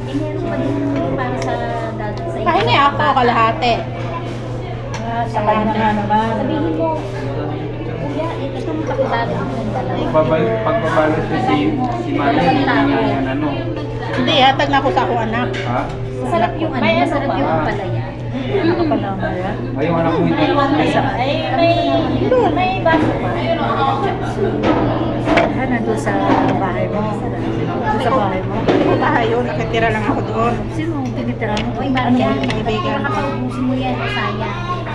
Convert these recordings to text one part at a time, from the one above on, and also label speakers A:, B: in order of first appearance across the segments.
A: meron pa din para sa dati sa
B: Pahingi ako kalahati.
C: Sa kanya nga naman.
A: Sabihin mo, kuya, itong pakibago ng dalawa.
D: Pagbabalot ko si Mali, yan ano.
B: Hindi, hatag na ako sa akong anak.
D: Ha?
A: Masarap yung ano, masarap yung palaya.
C: Ano ka pa naman yan?
D: Ay, yung anak mo hindi.
A: May baso pa.
C: Nandun sa bahay mo. Nandun sa bahay mo.
B: Bahay yun, nakatira lang ako doon.
C: Sino ang tinitira mo?
A: Uy, Maria,
B: kaibigan?
A: nakapaubusin mo yan, sayang.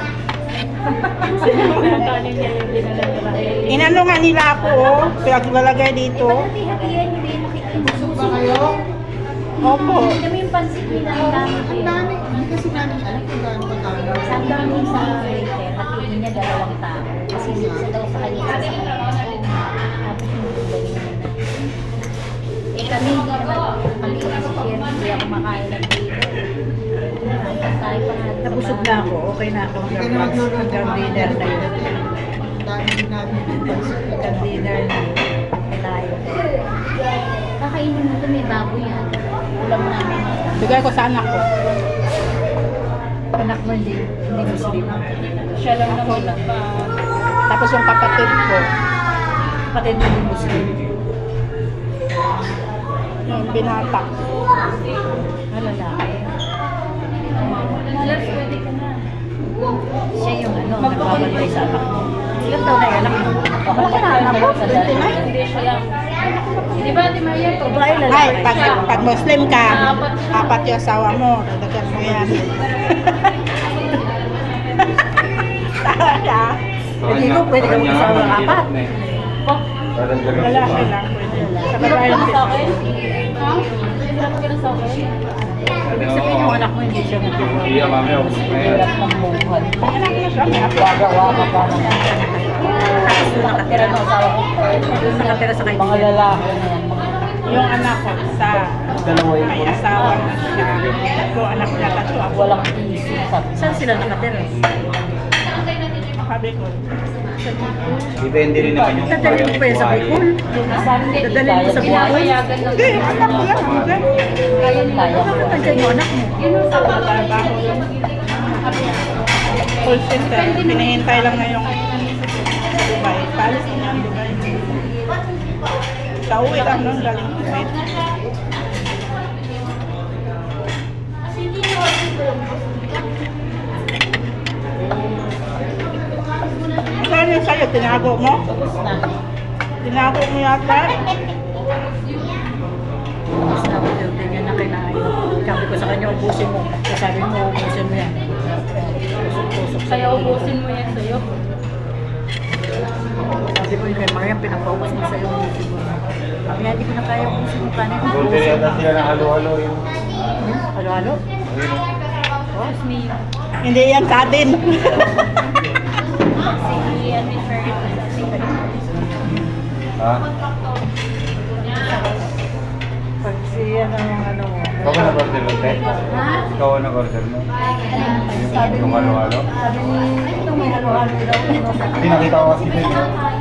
B: Inano nga nila ako, oh. Pinaglalagay dito.
A: Hati-hatiyan nyo din, makikibusog ba kayo?
B: Opo.
A: Kami yung pansit nila, ang dami. Ang dami. Hindi kasi namin alam kung gaano magkano. Sa dami sa waiter, hatiin niya 2 tao. Kasi isa daw sa kanya sa tapos yung bumalik na. Eh kami hindi naman, kami kasi share, hindi ako makain ng dito. Tayo pa nga.
C: Nabusog na ako. Okay na ako. Hanggang dinner na yun. Hanggang dinner na yun. Kailayo.
A: Kakainin mo ito, may baboy yan. Ulam namin.
B: Bigay ko sa anak ko.
C: Anak mo hindi Muslim.
A: Siya lang naman lang.
B: Tapos yung kapatid ko,
C: Kapatid mo hindi Muslim.
B: yung binata.
C: Lalaki.
A: Alas, pwede ka na.
C: Siya yung nagbabalay sa anak mo. Ilang taon na yung anak mo?
B: Wala na po, 29.
A: Hindi siya lang. Di ba, Di Maria?
C: Babae, lalaki.
B: Ay, pag Muslim ka, 4 yung asawa mo, dagdagan mo yan. Talaga?
C: Hindi ko, pwede ka mag-asawa ng 4.
B: Lalaki lang pwede. Sa babae lang
A: Sa
B: pwede.
A: akin? Ha? Hirap ka na sa akin?
C: Ibig sabihin yung anak mo hindi siya nagtiwala.
D: Iya, mami, ako.
C: Hirap ng buhay.
B: Anak ko siya, may apo.
C: Gagawa ka pa naman. Tapos doon nakatira ng asawa ko. Doon nakatira sa kanya. Mga lalaki na yan.
B: Yung anak ko, sa may asawa na siya. Tatlo anak niya, tatlo ako.
C: Walang isip. Saan sila nakatira?
B: Sabi ko,
D: Depende rin naman yung
C: Dadalhin mo pa yan sa Bicol. Dadalhin mo sa Bicol.
B: hindi, anak ko lang.
C: Kaya. Nandiyan yung anak mo.
B: Trabaho yun. Call center. Pinihintay lang na yung sa Dubai. Palis na niya ang Dubai. Kauwi lang nun, galing Kuwait. Saan yung sa'yo? Tinago mo? Tinago mo yata?
C: Tapos na ako din yan na kinain. Sabi ko sa kanya, ubusin mo. Sabi mo, ubusin mo yan. Tusok-tusok sa
A: Kaya ubusin mo yan sa'yo.
C: Sabi ko yung kay Mariam, pinapaubos mo sa'yo. Ubusin mo. Sabi niya, hindi ko na kaya ubusin mo. Paano yung
D: Doon din yata sila ng halo-halo yun.
C: Halo-halo?
A: Excuse me.
B: Hindi yan sa atin.
A: Si Ate Ferret.
D: Ha?
C: Pag siya ng ano mo.
D: Ikaw ba nag-order mo, te?
A: Ha?
D: Ikaw ba nag-order mo? Yung halo-halo?
C: Sabi ni, ito may halo-halo daw.
D: Hindi nakita ko kasi dito.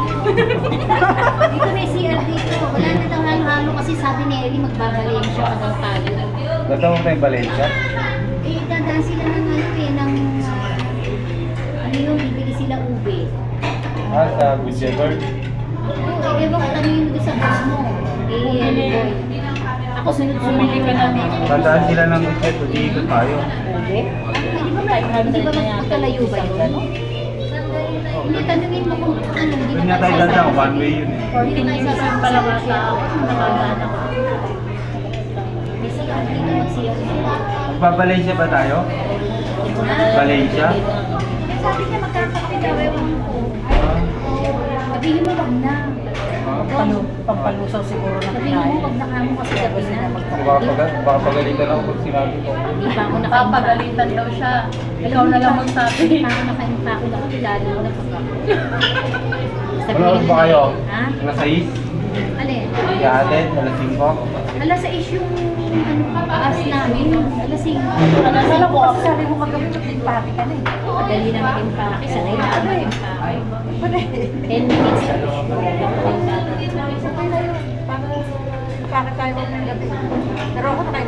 A: Dito may CR dito. Wala na daw halo-halo kasi sabi ni Ellie magbabalik siya ka daw tayo.
D: Natawag na yung Valencia?
A: Eh, dadaan sila ng ano eh, ng ano yung bibili sila ube.
D: Ah, sa Good Shepherd?
A: Oo, eh, ewan ko tanongin mo sa boss mo. Eh, boy. Ako sunod-sunod ka namin.
D: Tandaan sila ng Good Shepherd, iikot tayo.
C: Pwede?
A: Hindi ba magkalayo ba yun? Hindi, tanongin mo kung ano.
D: Doon nga tayo ganda, one way yun eh.
A: 14 years ang palawa sa nakagana ko. May CR dito, mag-CR dito.
D: Magpa-Valencia ba tayo? Valencia?
A: Sabi niya magkakape daw, ewan ko. Sabihin mo wag na.
C: Pampalusaw siguro na
A: Sabihin mo wag na kamo kasi gabi na.
D: Baka pagalitan ako pag sinabi ko.
A: Hindi pa ako nakapagalitan daw siya. Ikaw na lang magsabi. Hindi pa ako nakaimpa ako na kilala ko na
D: Ano oras ba kayo?
A: Ha?
D: Alas 6?
A: Alin?
D: Si ate, alas 5?
A: Alas 6 yung ano, paas namin. Alas 5.
C: Alam ko kasi sabi mo kagabi magpapake ka na eh.
A: Madali na mag-impake. Sanay na ako mag-impake. 10 minutes na lang.
C: Bakit tayo ng gabi? Pero ako